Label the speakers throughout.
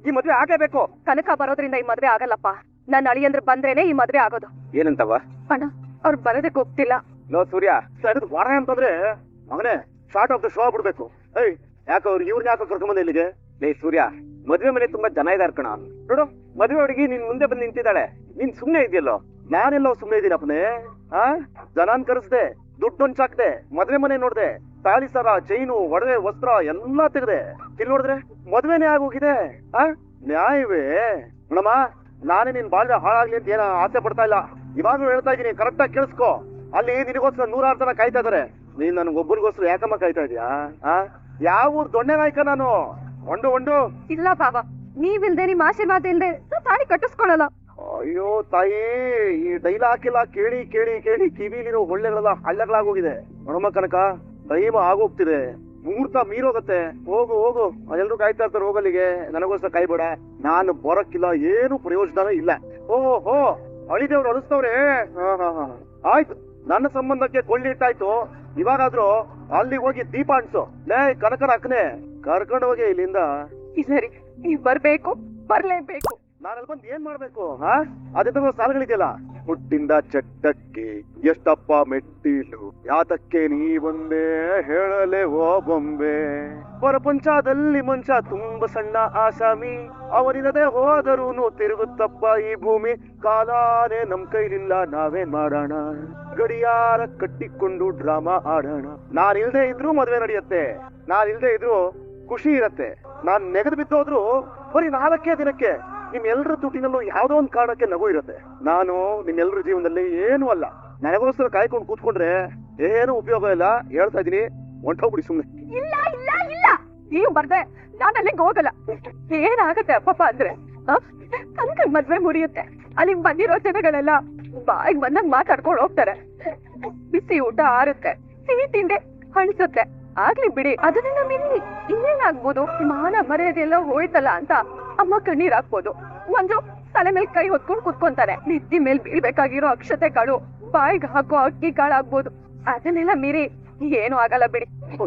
Speaker 1: ಈ ಮದ್ವೆ ಆಗಲೇಬೇಕು.
Speaker 2: ಕನಕ ಬರೋದ್ರಿಂದ ಈ ಮದ್ವೆ ಆಗಲ್ಲಪ್ಪ. ನನ್ನ ಅಳಿಯಂದ್ರೆ ಬಂದ್ರೇನೆ ಈ ಮದ್ವೆ ಆಗೋದು.
Speaker 1: ಏನಂತವ?
Speaker 2: ಅಣ್ಣ ಅವ್ರು ಬರೋದಕ್ಕೆ ಹೋಗ್ತಿಲ್ಲ.
Speaker 1: ಲೋ ಸೂರ್ಯ, ವಾರ ಅಂತಂದ್ರೆ ಮಗನೇ ಶಾರ್ಟ್ ಆಫ್ ದ ಶೋ ಆಗ್ಬಿಡ್ಬೇಕು. ಏಯ್ ಯಾಕೆ ಅವ್ರು ಇವ್ರನ್ನ ಯಾಕೆ ಕರ್ಕೊಂಬಂದ ಇಲ್ಲಿಗೆ? ಲೇ ಸೂರ್ಯ, ಮದ್ವೆ ಮನೆ ತುಂಬಾ ಜನ ಇದಾರ ಕಣ. ನೋಡು, ಮದ್ವೆ ಹುಡುಗಿ ನಿನ್ ಮುಂದೆ ಬಂದು ನಿಂತಿದ್ದಾಳೆ, ನೀನ್ ಸುಮ್ನೆ ಇದೆಯಲ್ಲೋ. ನಾನೆಲ್ಲೋ ಸುಮ್ನೆ ಇದೀನಪ್ಪನೇ. ಜನಾನ್ ಕರೆಸ್ದೆ, ದುಡ್ಡು ಹೊಂಚಾಕ್ದೆ, ಮದ್ವೆ ಮನೆ ನೋಡ್ದೆ, ತಾಳಿ ಸರ, ಚೈನು, ಒಡವೆ, ವಸ್ತ್ರ ಎಲ್ಲಾ ತೆಗ್ದೆ. ಇಲ್ಲಿ ನೋಡಿದ್ರೆ ಮದ್ವೆನೇ ಆಗೋಗಿದೆ. ನ್ಯಾಯವೇ? ನೋಡಮ್ಮ, ನಾನೇ ನಿನ್ ಬಾಳ್ವೆ ಹಾಳಾಗ್ಲಿ ಅಂತ ಏನ ಆಸೆ ಪಡ್ತಾ ಇಲ್ಲ. ಇವಾಗ್ಲೂ ಹೇಳ್ತಾ ಇದೀನಿ, ಕರೆಕ್ಟ್ ಆಗಿ ಕೇಳಿಸ್ಕೊ. ಅಲ್ಲಿ ನಿನಗೋಸ್ಕರ 100 ಜನ ಕಾಯ್ತಾ ಇದಾರೆ. ನೀನ್ ನನ್ಗೊಬ್ಬರಿಗೋಸ್ಕರ ಯಾಕಮ್ಮ ಕಾಯ್ತಾ ಇದೀಯಾ? ಯಾವ ಊರ್ ದೊಣ್ಣೆ ನಾಯ್ಕ ನಾನು? ಒಂದು
Speaker 2: ಇಲ್ಲ ಬಾಬಾ, ನೀವಿಲ್ದೆ ನಿಮ್ ಆಶೀರ್ವಾದ ಇಲ್ದೆ ತಾಳಿ ಕಟ್ಟಿಸ್ಕೊಳಲ್ಲ.
Speaker 1: ಅಯ್ಯೋ ತಾಯಿ, ಈ ಡೈಲಾಗ್ ಎಲ್ಲ ಕೇಳಿ ಕೇಳಿ ಕೇಳಿ ಕಿವಿಲಿರೋ ಒಳ್ಳೆಗಳೆಲ್ಲ ಹಳ್ಳಗಳಾಗೋಗಿದೆ. ನೋಡಮ್ಮ ಕನಕ, ಟೈಮ್ ಆಗೋಗ್ತಿದೆ, ಮುಹೂರ್ತ ಮೀರೋಗತ್ತೆ. ಹೋಗು ಹೋಗು, ಅದೆಲ್ಲರೂ ಕಾಯ್ತಾ ಇರ್ತಾರೆ. ಹೋಗಲ್ಲಿಗೆ, ನನಗೋಸ್ಕರ ಕಾಯ್ಬೇಡ. ನಾನು ಬರಕ್ಕಿಲ್ಲ, ಏನು ಪ್ರಯೋಜನ ಇಲ್ಲ. ಓಹೋ, ಅಳಿದೇವ್ರು ಅಳಿಸ್ತವ್ರೆ. ಆಯ್ತು, ನನ್ನ ಸಂಬಂಧಕ್ಕೆ ಕೊಳ್ಳಿಟ್ಟಾಯ್ತು. ಇವಾಗಾದ್ರೂ ಅಲ್ಲಿಗೆ ಹೋಗಿ ದೀಪ ಅನ್ಸು. ಲೇ ಕನಕನ ಅಕ್ಕನೆ, ಕರ್ಕೊಂಡು ಹೋಗಿ ಇಲ್ಲಿಂದ.
Speaker 2: ಸರಿ, ನೀವ್ ಬರ್ಬೇಕು, ಬರ್ಲೇಬೇಕು.
Speaker 1: ನಾನಲ್ಲಿ ಬಂದು ಏನ್ ಮಾಡ್ಬೇಕು? ಅದೇ ಸಾಲುಗಳಿದೆಯಲ್ಲ, ಹುಟ್ಟಿಂದ ಚಟ್ಟಕ್ಕೆ ಎಷ್ಟಪ್ಪ ಮೆಟ್ಟಿಲು, ಯಾತಕ್ಕೆ ನೀ ಬಂದೆ ಹೇಳಲೆ ಓ ಬೊಂಬೆ. ಪ್ರಪಂಚದಲ್ಲಿ ಮನುಷ್ಯ ತುಂಬ ಸಣ್ಣ ಆಸಾಮಿ, ಅವನಿಲ್ಲದೆ ಹೋದರೂನು ತಿರುಗುತ್ತಪ್ಪ ಈ ಭೂಮಿ. ಕಾಲಾನೇ ನಮ್ ಕೈಲಿಲ್ಲ, ನಾವೇನ್ ಮಾಡೋಣ? ಗಡಿಯಾರ ಕಟ್ಟಿಕೊಂಡು ಡ್ರಾಮಾ ಆಡೋಣ. ನಾನಿಲ್ದೆ ಇದ್ರು ಮದ್ವೆ ನಡೆಯುತ್ತೆ, ನಾನಿಲ್ದೆ ಇದ್ರು ಖುಷಿ ಇರತ್ತೆ. ನಾನ್ ನೆಗೆದು ಬಿದ್ದೋದ್ರು ಬರೀ 4 ದಿನಕ್ಕೆ ನಿಮ್ಮೆಲ್ಲರ ತುಟಿನಲ್ಲೂ ಯಾವ್ದೋ ಒಂದ್ ಕಾರಣಕ್ಕೆ ನಗು ಇರುತ್ತೆ. ನಾನು ನಿಮ್ಮೆಲ್ಲರ ಜೀವನದಲ್ಲಿ ಏನು ಅಲ್ಲ. ನನಗೋಸ್ಕರ ಕಾಯ್ಕೊಂಡು ಕೂತ್ಕೊಂಡ್ರೆ ಏನು ಉಪಯೋಗ ಇಲ್ಲ. ಹೇಳ್ತಾ ಇದೀನಿ, ಹೊಂಟೋಗ್ಬಿಡಿ ಸುಮ್ನೆ.
Speaker 2: ಇಲ್ಲ ಇಲ್ಲ ಇಲ್ಲ, ನೀವು ಬರ್ದೆ ನಾನು ಅಲ್ಲಿಗೆ ಹೋಗಲ್ಲ. ಏನಾಗತ್ತೆ ಅಪ್ಪಪ್ಪ ಅಂದ್ರೆ, ಕನಕನ್ ಮದ್ವೆ ಮುರಿಯುತ್ತೆ. ಅಲ್ಲಿಗೆ ಬಂದಿರೋ ಜನಗಳೆಲ್ಲ ಬಾಯಿಗೆ ಬಂದಂಗ್ ಮಾತಾಡ್ಕೊಂಡು ಹೋಗ್ತಾರೆ. ಬಿಸಿ ಊಟ ಆರುತ್ತೆ, ಸಿಹಿ ತಿಂಡಿ ಹಣಿಸುತ್ತೆ. ಆಗ್ಲಿ ಬಿಡಿ, ಅದನ್ನೆಲ್ಲ ಮೀರಿ ಇನ್ನೇನಾಗ್ಬೋದು? ಮಾನ ಮರ್ಯಾದೆಲ್ಲ ಹೋಯ್ತಲ್ಲ ಅಂತ ಅಮ್ಮ ಕಣ್ಣೀರ್ ಹಾಕ್ಬೋದು. ಒಂದು ತಲೆ ಮೇಲೆ ಕೈ ಹೊತ್ಕೊಂಡು ಕುತ್ಕೊಂತಾರೆ. ನೆತ್ತಿ ಮೇಲೆ ಬೀಳ್ಬೇಕಾಗಿರೋ ಅಕ್ಷತೆಗಳು, ಬಾಯಿಗೆ ಹಾಕೋ ಅಕ್ಕಿ ಕಾಳಾಗ್ಬೋದು. ಅದನ್ನೆಲ್ಲ ಮೀರಿ ಏನು ಆಗಲ್ಲ ಬಿಡಿ.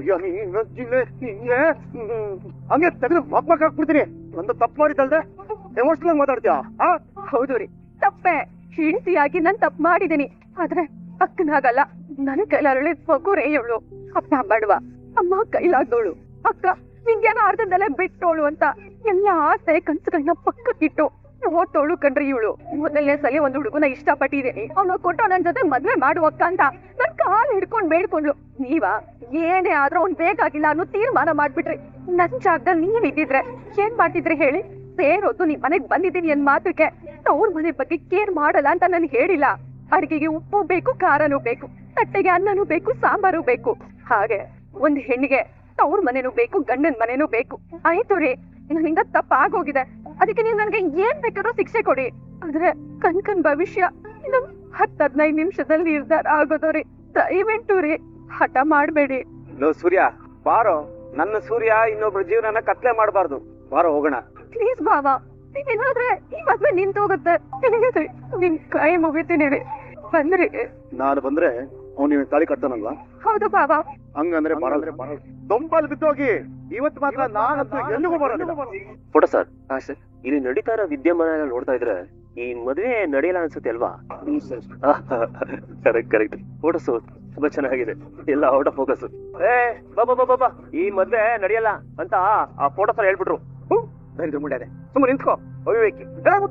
Speaker 1: ಹಂಗೆ ತೆಗೆದು ಮಕ್ ಹಾಕ್ಬಿಡ್ತೀನಿ. ಒಂದು ತಪ್ಪು ಮಾಡಿದ್ದಲ್ದೆ ಎಮೋಷನಲ್ ಮಾತಾಡ್ತೀಯಾ?
Speaker 2: ಹೌದು ರೀ, ತಪ್ಪೆ. ಹೆಂಡತಿಯಾಗಿ ನಾನ್ ತಪ್ಪು ಮಾಡಿದೀನಿ. ಆದ್ರೆ ಅಕ್ಕನಾಗಲ್ಲ. ನನ್ನ ಕೈಲಾರಳಿ ಮಗುರೇ ಇವಳು. ಅಪ್ಪ ಬಡವ, ಅಮ್ಮ ಕೈಲಾಗ್ದೋಳು, ಅಕ್ಕ ವಿಜ್ಞಾನ ಅರ್ಧದಲ್ಲೇ ಬಿಟ್ಟೋಳು ಅಂತ ಎಲ್ಲ ಆಸೆ ಕನ್ಸುಗಳನ್ನ ಪಕ್ಕಕ್ಕಿಟ್ಟು ಓದ್ತೋಳು ಕಣ್ರಿ ಇವಳು. ಮೊದಲನೇ ಸಲ ಒಂದು ಹುಡುಗನ ಇಷ್ಟಪಟ್ಟಿದ್ದೀನಿ, ಅವನು ಕೊಟ್ಟು ನನ್ ಜೊತೆ ಮದ್ವೆ ಮಾಡುವಕ್ಕ ಅಂತ ನನ್ ಕಾಲು ಹಿಡ್ಕೊಂಡ್ ಬೇಡ್ಕೊಂಡ್ಲು. ನೀವ ಏನೇ ಆದ್ರೂ ಅವ್ನ್ ಬೇಕಾಗಿಲ್ಲ ಅನ್ನೋ ತೀರ್ಮಾನ ಮಾಡ್ಬಿಟ್ರಿ. ನನ್ ಜಾಗದಲ್ಲಿ ನೀವ್ ಇದ್ದಿದ್ರೆ ಏನ್ ಮಾಡ್ತಿದ್ರಿ ಹೇಳಿ? ಸೇರೋದು ನಿಮ್ ಮನೆಗ್ ಬಂದಿದ್ದೀನಿ ಅನ್ ಮಾತ್ರಕ್ಕೆ ಅವ್ರ ಮನೆ ಬಗ್ಗೆ ಕೇರ್ ಮಾಡಲ್ಲ ಅಂತ ನನ್ ಹೇಳಿಲ್ಲ. ಅಡಿಗೆಗೆ ಉಪ್ಪು ಬೇಕು, ಖಾರನೂ ಬೇಕು, ತಟ್ಟೆಗೆ ಅನ್ನನೂ ಬೇಕು, ಸಾಂಬಾರು ಬೇಕು. ಹಾಗೆ ಒಂದ್ ಹೆಣ್ಣಿಗೆ ಅವ್ರ ಮನೆನೂ ಬೇಕು, ಗಂಡನ್ ಮನೆನೂ ಬೇಕು. ಆಯ್ತು ರೀ, ನನ್ನಿಂದ ತಪ್ಪಾಗೋಗಿದೆ. ಅದಕ್ಕೆ ನೀವು ನನ್ಗೆ ಏನ್ ಬೇಕಾದ್ರೂ ಶಿಕ್ಷೆ ಕೊಡಿ. ಆದ್ರೆ ಕನ್ಕನ್ ಭವಿಷ್ಯ ಇನ್ನು 10-15 ನಿಮಿಷದಲ್ಲಿ ನಿರ್ಧಾರ ಆಗೋದು ರೀ. ದಯವಿಟ್ಟು ರೀ, ಹಠ ಮಾಡ್ಬೇಡಿ.
Speaker 1: ಸೂರ್ಯ ಬಾರೋ, ನನ್ನ ಸೂರ್ಯ ಇನ್ನೊಬ್ರ ಜೀವನನ ಕತ್ಲೆ ಮಾಡಬಾರ್ದು. ಬಾರೋ ಹೋಗೋಣ.
Speaker 2: ಪ್ಲೀಸ್ ಬಾಬಾ, ನೀವೇನಾದ್ರೆ ಈ ಮದ್ವೆ ನಿಂತೋಗುತ್ತೆ. ನಿಮ್ ಕೈ ಮುಗಿತೀನಿ ರೀ, ಬಂದ್ರಿ.
Speaker 1: ನಾನು ಬಂದ್ರೆ ಅವ್ನು ತಾಳಿ ಕಟ್ತಾನಲ್ವಾ?
Speaker 2: ಹೌದು ಬಾಬಾ.
Speaker 1: ಹಂಗಂದ್ರೆ ದೊಂಬಲ್ ಬಿದ್ದೋಗಿ ಇವತ್ತು ಮಾತ್ರ ನಾನಂತೂ ಎಲ್ಲಿಗೂ ಬರೋದಿಲ್ಲ.
Speaker 3: ಫೋಟೋ ಸರ್, ಇಲ್ಲಿ ನಡೀತಾ ಇರೋ ವಿದ್ಯಮಾನ ನೋಡ್ತಾ ಇದ್ರೆ ಈ ಮದುವೆ ನಡೆಯಲ್ಲ ಅನ್ಸುತ್ತೆ ಅಲ್ವಾ? Correct correct. ಫೋಟೋಸ್ ತುಂಬಾ ಚೆನ್ನಾಗಿದೆ, ಎಲ್ಲ ಔಟ್ ಆಫ್ ಫೋಕಸ್. ಬಾಬಾ, ಈ ಮದ್ವೆ ನಡೆಯಲ್ಲ ಅಂತ ಆ ಫೋಟೋ ಸರ್ ಹೇಳ್ಬಿಟ್ರು.
Speaker 1: ಮುಂಡೆ ಸುಮ್ಮನೆ ನಿಂತ್ಕೋ. ಅವಿವೇಕಿ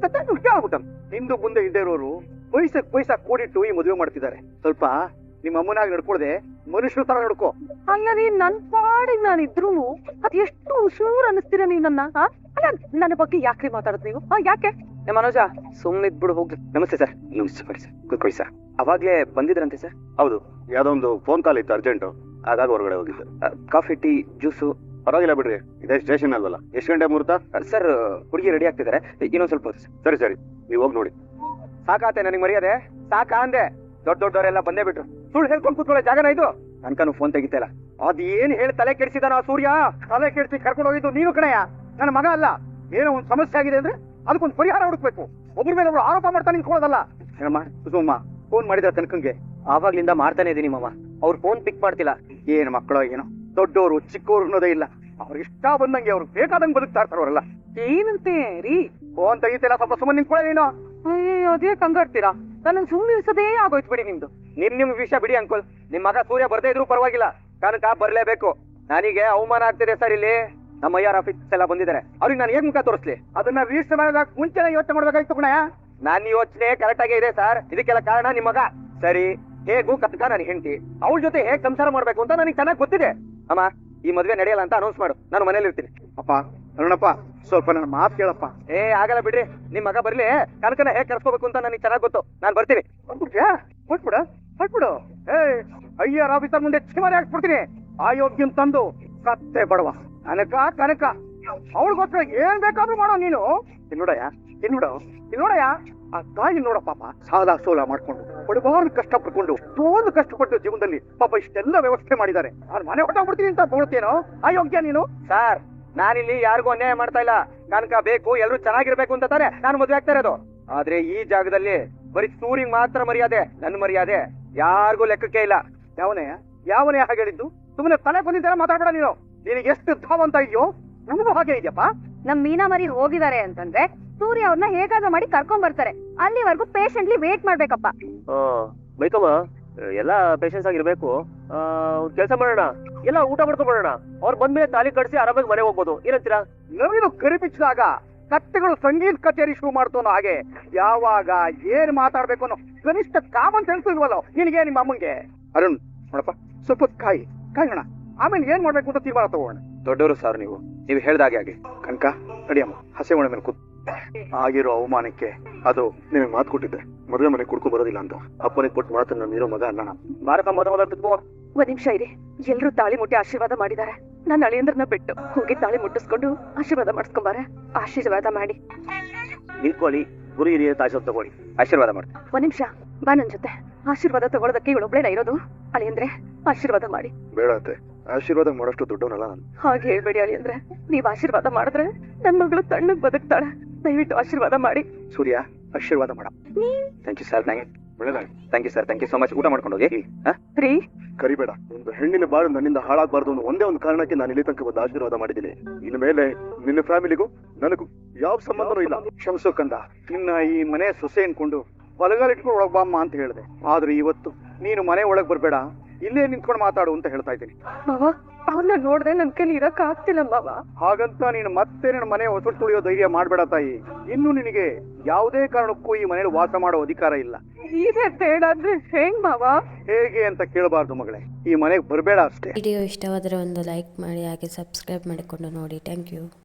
Speaker 1: ಹಿಂದೂ ಮುಂದೆ ಇದ್ದೇ ಇರೋರು ಪೈಸಾ ಕೂಡಿಟ್ಟು ಈ ಮದುವೆ ಮಾಡ್ತಿದ್ದಾರೆ. ಸ್ವಲ್ಪ ನಿಮ್ಮ ಅಮ್ಮನಾಗಿ ನಡ್ಕೊಳ್ದೆ ಮನುಷ್ಯರ ತರ ನಡ್ಕೋ.
Speaker 2: ಅಲ್ಲ ರೀ, ನನ್ ಪಾಡಿಗೆ ನಾನು ಇದ್ರೂನು ಅದ್ ಎಷ್ಟು ಉಶೂರ್ ಅನ್ನಿಸ್ತೀರ ನೀವ್ ನನ್ನ. ಅಲ್ಲ, ನನ್ನ ಬಗ್ಗೆ ಯಾಕ್ರಿ ಮಾತಾಡದ್ ನೀವು? ಯಾಕೆ?
Speaker 3: ಮನೋಜ, ಸುಮ್ನೆ ಇದ್ಬಿಡು ಹೋಗ್ಲಿ. ನಮಸ್ತೆ ಸರ್. ನಮಸ್ತೆ ಬನ್ನಿ ಸರ್, ಕೂತ್ಕೊಳ್ಳಿ ಸರ್. ಅವಾಗ್ಲೇ ಬಂದಿದ್ರಂತೆ ಸರ್?
Speaker 1: ಹೌದು, ಯಾವ್ದೋ ಒಂದು ಫೋನ್ ಕಾಲ್ ಇತ್ತು ಅರ್ಜೆಂಟ್, ಹಾಗಾಗಿ ಹೊರಗಡೆ ಹೋಗಿದ್ದೆ.
Speaker 3: Coffee, tea, juice?
Speaker 1: ಪರವಾಗಿಲ್ಲ ಬಿಡ್ರಿ, ಇದೇ ಸ್ಟೇಷನ್ ಅಲ್ವಲ್ಲ. ಎಷ್ಟು ಗಂಟೆ ಮುಹೂರ್ತ?
Speaker 3: ಸರ್, ಹುಡುಗಿ ರೆಡಿ ಆಗ್ತಿದ್ದಾರೆ, ಇನ್ನೊಂದ್ ಸ್ವಲ್ಪ ಹೊತ್ತು.
Speaker 1: ಸರಿ, ನೀವು ಹೋಗಿ ನೋಡಿ.
Speaker 3: ಸಾಕಾತೆ ನನಗೆ ಮರ್ಯಾದೆ? ಸಾಕಾ ಅಂದೆ? ದೊಡ್ಡವರೆಲ್ಲ ಬಂದೇ ಬಿಟ್ರು. ಸುಳ್ಳು ಹೇಳ್ಕೊಂಡು ಕೂತ್ಕೊಳ್ಳೋ ಜಾಗನ ಇದು? ನನ್ಕನು ಫೋನ್ ತೆಗಿತಲ್ಲ.
Speaker 1: ಅದೇನ್ ಹೇಳಿ ತಲೆ ಕೆಡಿಸಿದಾನ ಸೂರ್ಯ? ತಲೆ ಕೆಡಿಸಿ ಕರ್ಕೊಂಡು ಹೋಗಿದ್ದು ನೀನು ಕಣಯ್ಯ, ನನ್ನ ಮಗ ಅಲ್ಲ. ಏನೋ ಒಂದು ಸಮಸ್ಯೆ ಆಗಿದೆ ಅಂದ್ರೆ ಅದಕ್ಕೊಂದು ಪರಿಹಾರ ಹುಡುಕ್ಬೇಕು. ಒಬ್ಬರ ಮೇಲೆ ಒಬ್ರು ಆರೋಪ ಮಾಡ್ತಾ ನಿಂತ್ಕೊಳ್ಳೋದಲ್ಲ. ಏನಮ್ಮ ಕುಸುಮಮ್ಮ ಫೋನ್ ಮಾಡಿದ್ರ ತನಕಂಗೆ?
Speaker 3: ಆವಾಗ್ಲಿಂದ ಮಾಡ್ತಾನೆ ಇದೀನಿ ಮಾಮ, ಅವ್ರು ಫೋನ್ ಪಿಕ್ ಮಾಡ್ತಿಲ್ಲ.
Speaker 1: ಏನ್ ಮಕ್ಕಳು ಏನೋ, ದೊಡ್ಡವರು ಚಿಕ್ಕವರು ಅನ್ನೋದೇ ಇಲ್ಲ. ಅವ್ರಿಗೆ ಇಷ್ಟ ಬಂದಂಗೆ ಅವ್ರು ಬೇಕಾದಂಗೆ ಬದುಕ್ತಾ ಇರ್ತಾರವರಲ್ಲ.
Speaker 2: ಏನಂತೆ
Speaker 1: ಫೋನ್ ತೆಗಿತಿಲ್ಲ, ಸ್ವಲ್ಪ ಸುಮ್ಮನೆ ನಿಂತ್ಕೊಳ್ಳಿ ನೀನು.
Speaker 4: ಅಯ್ಯೋ ಅದೇ ಕಂಗಾಡ್ತೀರಾ, ನನ್ನ ಸುಮ್ಮನೆ ಇರ್ಸೋದೇ ಆಗೋಯ್ತು ಬಿಡಿ ನಿಮ್ದು.
Speaker 3: ನಿಮ್ ವಿಷಯ ಬಿಡಿ ಅಂಕಲ್. ನಿಮ್ ಮಗ ಸೂರ್ಯ ಬರ್ದೇ ಇದ್ರು ಪರವಾಗಿಲ್ಲ, ಕನಕ ಬರ್ಲೇಬೇಕು. ನನಗೆ ಅವಮಾನ ಆಗ್ತಿದೆ ಸರ್. ಇಲ್ಲಿ ನಮ್ಮ ಐಆರ್ ಆಫೀಸ್ ಎಲ್ಲ ಬಂದಿದ್ದಾರೆ, ಅವ್ರಿಗೆ ನಾನು ಹೇಗ್ ಮುಖ ತೋರಿಸ್ಲಿ?
Speaker 1: ಅದನ್ನ ರಿಜಿಸ್ಟರ್ ಮಾಡೋದಾಗ ಮುಂಚೆನೆ ಯೋಚನೆ ಮಾಡ್ಬೇಕಾಗಿತ್ತು ಕಣಯ್ಯ.
Speaker 3: ನನ್ನ ಯೋಚನೆ ಕರೆಕ್ಟ್ ಆಗೇ ಇದೆ ಸರ್. ಇದಕ್ಕೆಲ್ಲ ಕಾರಣ ನಿಮ್ ಮಗ. ಸರಿ, ಹೇಗೂ ಕನಕ ನನ್ನ ಹೆಂಡತಿ, ಅವಳ ಜೊತೆ ಹೇಗ್ ಸಂಸಾರ ಮಾಡ್ಬೇಕು ಅಂತ ನನಗೆ ಚೆನ್ನಾಗಿ ಗೊತ್ತಿದೆ. ಅಮ್ಮ, ಈ ಮದ್ವೆ ನಡೆಯಲ್ಲ ಅಂತ ಅನೌನ್ಸ್ ಮಾಡು, ನಾನು ಮನೇಲಿ ಇರ್ತೀನಿ.
Speaker 1: ಅಪ್ಪ ಅರುಣಪ್ಪ, ಸ್ವಲ್ಪ ನನ್ನ ಮಾತು ಕೇಳಪ್ಪ.
Speaker 3: ಆಗಲ್ಲ ಬಿಡ್ರಿ, ನಿಮ್ ಮಗ ಬರ್ಲಿ. ಕನಕನ ಹೇಗ್ ಕರ್ಸ್ಕೋಬೇಕು ಅಂತ ನನಗೆ ಚೆನ್ನಾಗಿ ಗೊತ್ತು, ನಾನು ಬರ್ತೀನಿ.
Speaker 1: ಹೊಟ್ಬಿಡು. ಐಆರ್ ಆಫೀಸರ್ ಮುಂದೆ ಚಿಮಾರಿ ಹಾಕ್ಬಿಡ್ತೀನಿ. ಆಯೋಗ್ಯನ್ ತಂದು ಕತ್ತೆ ಬಡವ ಕನಕ ಕನಕ ಅವಳಿಗೋಸ್ಕರ ಏನ್ ಬೇಕಾದ್ರೂ ಮಾಡೋ ನೀನು. ನೋಡಯ್ಯ ಆ ತಾಯಿ ನೋಡ ಪಾಪ, ಸಾಲ ಸೋಲ ಮಾಡ್ಕೊಂಡು ಬಡಬಾರ್ದು ಕಷ್ಟ ಪಡ್ಕೊಂಡು ಎಷ್ಟೊಂದು ಕಷ್ಟಪಟ್ಟು ಜೀವನದಲ್ಲಿ ಪಾಪ ಇಷ್ಟೆಲ್ಲ ವ್ಯವಸ್ಥೆ ಮಾಡಿದ್ದಾರೆ. ನಾನು ಮನೆ ಹೊಟ್ಟೋಗ್ಬಿಡ್ತೀನಿ ಅಂತ ಬೋಳ್ತೇನೋ ಅಯೋಗ್ಯ ನೀನು.
Speaker 3: ಸರ್, ನಾನಿಲ್ಲಿ ಯಾರಿಗೂ ಅನ್ಯಾಯ ಮಾಡ್ತಾ ಇಲ್ಲ. ಕನಕ ಬೇಕು, ಎಲ್ಲರೂ ಚೆನ್ನಾಗಿರ್ಬೇಕು ಅಂತ ತಾನೆ ನಾನು ಮದ್ವೆ ಆಗ್ತಾ ಇರೋದು. ಆದ್ರೆ ಈ ಜಾಗದಲ್ಲಿ ಬರೀ ಸೂರಿಗೆ ಮಾತ್ರ ಮರ್ಯಾದೆ, ನನ್ನ ಮರ್ಯಾದೆ ಯಾರಿಗೂ ಲೆಕ್ಕಕ್ಕೆ ಇಲ್ಲ.
Speaker 1: ಯಾವನೇ ಹಾಗೆ ಹೇಳಿದ್ದು? ಸುಮ್ಮನೆ ತಲೆ ಬಂದಿದ್ದಾರೆ ಮಾತಾಡ್ಬೇಡ ನೀನು. ನಿನಗೆ ಎಷ್ಟು ಧಾವಂತ ಇದೆಯೋ ನಮಗೂ ಹಾಗೆ ಇದೆಯಪ್ಪ.
Speaker 2: ನಮ್ ಮೀನಾ ಮರಿ ಹೋಗಿದ್ದಾರೆ ಅಂತಂದ್ರೆ ಸೂರ್ಯ ಅವ್ರನ್ನ ಹೇಗಾದ್ರೂ ಮಾಡಿ ಕರ್ಕೊಂಡ್ ಬರ್ತಾರೆ. ಅಲ್ಲಿವರೆಗೂ ಪೇಷಂಟ್ಲಿ ವೇಟ್ ಮಾಡ್ಬೇಕಪ್ಪ.
Speaker 3: ಬೈಕಮ್ಮ, ಎಲ್ಲ ಪೇಷನ್ಸ್ ಆಗಿರ್ಬೇಕು. ಕೆಲಸ ಮಾಡೋಣ, ಎಲ್ಲ ಊಟ ಮಾಡ್ಕೊಂಡ್ ಬರೋಣ. ಅವ್ರು ಬಂದ್ಮೇಲೆ ತಾಲಿ ಕಟ್ಸಿ ಆರಾಮಾಗಿ ಮನೆ ಹೋಗ್ಬೋದು. ಏನಂತೀರಾ?
Speaker 1: ನವೀನು ಕರಿಪಿಚ್ಚಿದಾಗ ಕತ್ತೆಗಳು ಸಂಗೀತ ಕಚೇರಿ ಶುರು ಮಾಡ್ತಾನೋ ಹಾಗೆ ಯಾವಾಗ ಏನ್ ಮಾತಾಡ್ಬೇಕು ಅನ್ನೋ ಕನಿಷ್ಠ ಕಾಮನ್ ಸೆನ್ಸ್ ಇಲ್ವಲ್ಲ ನಿನಗೆ, ನಿಮ್ಮ ಅಮ್ಮಂಗೆ. ಅರುಣ್ ನೋಡಪ್ಪ, ಸ್ವಲ್ಪ ಕಾಯೋಣ, ಆಮೇಲೆ ಏನ್ ಮಾಡ್ಬೇಕು ಅಂತ ತೀರ್ಮಾನ ತಗೋಣ.
Speaker 3: ದೊಡ್ಡವರು ಸರ್, ನೀವು ಹೇಳ್ದಾಗೆ ಆಗಿ.
Speaker 1: ಕನಕ ನಡಿಯಮ್ಮ, ಹಸೆ ಒಣ ಮೇಲೆ ಕೂತ್. ಆಗಿರೋ ಅವಮಾನಕ್ಕೆ ಅದು ನಿನಗೆ ಮಾತು ಕೊಟ್ಟಿದ್ದೆ, ಮದುವೆ ಮನೆ ಕುಡ್ಕೊ ಬರೋದಿಲ್ಲ ಅಂತ. ಅಪ್ಪನಿಗೆ ಕೊಟ್ಟು ಮಾತು ನಾನು ಇರೋ ಮಗ ಅಲ್ಲ.
Speaker 2: ಒಂದ್ ನಿಮಿಷ ಇರಿ. ಎಲ್ರು ತಾಳಿ ಮುಟ್ಟಿ ಆಶೀರ್ವಾದ ಮಾಡಿದ್ದಾರೆ. ನನ್ನ ಅಳಿಯಂದ್ರನ್ನ ಬಿಟ್ಟು ಹೋಗಿ ತಾಳಿ ಮುಟ್ಟಿಸ್ಕೊಂಡು ಆಶೀರ್ವಾದ ಮಾಡಿಸ್ಕೊಂಬಾರೆ. ಆಶೀರ್ವಾದ ಮಾಡಿ.
Speaker 3: ನಿಂತ್ಕೊಳ್ಳಿ, ಗುರು ಹಿರಿಯ ತಾಯಿಸೋದು ತಗೊಳ್ಳಿ, ಆಶೀರ್ವಾದ ಮಾಡಿ.
Speaker 2: ಒಂದ್ ನಿಮಿಷ ಬಾ ನನ್ ಜೊತೆ. ಆಶೀರ್ವಾದ ತಗೊಳೋದಕ್ಕೆ ಇವಳೊಬ್ಳೇನ ಇರೋದು? ಅಳಿಯಂದ್ರೆ ಆಶೀರ್ವಾದ ಮಾಡಿ.
Speaker 1: ಬೇಡ ಅತ್ತೆ, ಆಶೀರ್ವಾದ ಮಾಡೋಷ್ಟು ದೊಡ್ಡವನಲ್ಲ ನಾನು.
Speaker 2: ಹಾಗೆ ಹೇಳ್ಬೇಡಿ ಅಳಿಯಂದ್ರೆ. ನೀವ್ ಆಶೀರ್ವಾದ ಮಾಡಿದ್ರೆ ನನ್ ಮಗಳು ತಣ್ಣಗ್ ಬದುಕ್ತಾಳೆ. ದಯವಿಟ್ಟು ಆಶೀರ್ವಾದ ಮಾಡಿ.
Speaker 1: ಸೂರ್ಯ, ಆಶೀರ್ವಾದ ಮಾಡ.
Speaker 3: Thank you sir. Thank you sir. Thank you so much. ಊಟ ಮಾಡ್ಕೊಂಡು ಹೋಗಿ.
Speaker 2: ರೀ,
Speaker 1: ಕರಿಬೇಡ. ಒಂದು ಹೆಣ್ಣಿನ ಬಾಳು ನನ್ನಿಂದ ಹಾಳಾಗಬಾರ್ದು ಅನ್ನೋ ಒಂದೇ ಒಂದು ಕಾರಣಕ್ಕೆ ನಾನು ಇಲ್ಲಿ ತನಕ ಬಂದು ಆಶೀರ್ವಾದ ಮಾಡಿದ್ದೀನಿ. ಇನ್ನು ಮೇಲೆ ನಿನ್ನ ಫ್ಯಾಮಿಲಿಗೂ ನನಗೂ ಯಾವ ಸಂಬಂಧನೂ ಇಲ್ಲ. ಕ್ಷಮಿಸೋ ಕಂದ, ನಿನ್ನ ಈ ಮನೆ ಸೊಸೆ ಅನ್ಕೊಂಡು ಬಲಗಾಲಿಟ್ಕೊಂಡು ಒಳಗ್ ಬಾಮ್ಮ ಅಂತ ಹೇಳಿದೆ. ಆದ್ರೆ ಇವತ್ತು ನೀನು ಮನೆ ಒಳಗ್ ಬರ್ಬೇಡ, ಇಲ್ಲೇ ನಿಂತ್ಕೊಂಡು ಮಾತಾಡು ಅಂತ ಹೇಳ್ತಾ ಇದ್ದೀನಿ.
Speaker 2: ಮಾವ, ಅವ್ರನ್ನ ನೋಡ್ದೆ ನನ್ ಕೈಲಿ ಇರಕ್ ಆಗ್ತಿಲ್ಲ ಮಾವ.
Speaker 1: ಹಾಗಂತ ನೀನು ಮತ್ತೆ ನನ್ನ ಮನೆ ಹೊಸ ತುಳಿಯೋ ಧೈರ್ಯ ಮಾಡ್ಬೇಡ ತಾಯಿ. ಇನ್ನು ನಿನಗೆ ಯಾವುದೇ ಕಾರಣಕ್ಕೂ ಈ ಮನೇಲಿ ವಾಸ ಮಾಡೋ ಅಧಿಕಾರ ಇಲ್ಲ.
Speaker 2: ಇದೇ ತೇಡಾದ್ರೆ ಹೆಂಗ್ ಮಾವ?
Speaker 1: ಹೇಗೆ ಅಂತ ಕೇಳಬಾರ್ದು ಮಗಳೇ, ಈ ಮನೆಗೆ ಬರಬೇಡ ಅಷ್ಟೇ.
Speaker 5: ವಿಡಿಯೋ ಇಷ್ಟವಾದರೆ ಒಂದು ಲೈಕ್ ಮಾಡಿ, ಹಾಗೆ ಸಬ್ಸ್ಕ್ರೈಬ್ ಮಾಡಿಕೊಂಡು ನೋಡಿ. Thank you.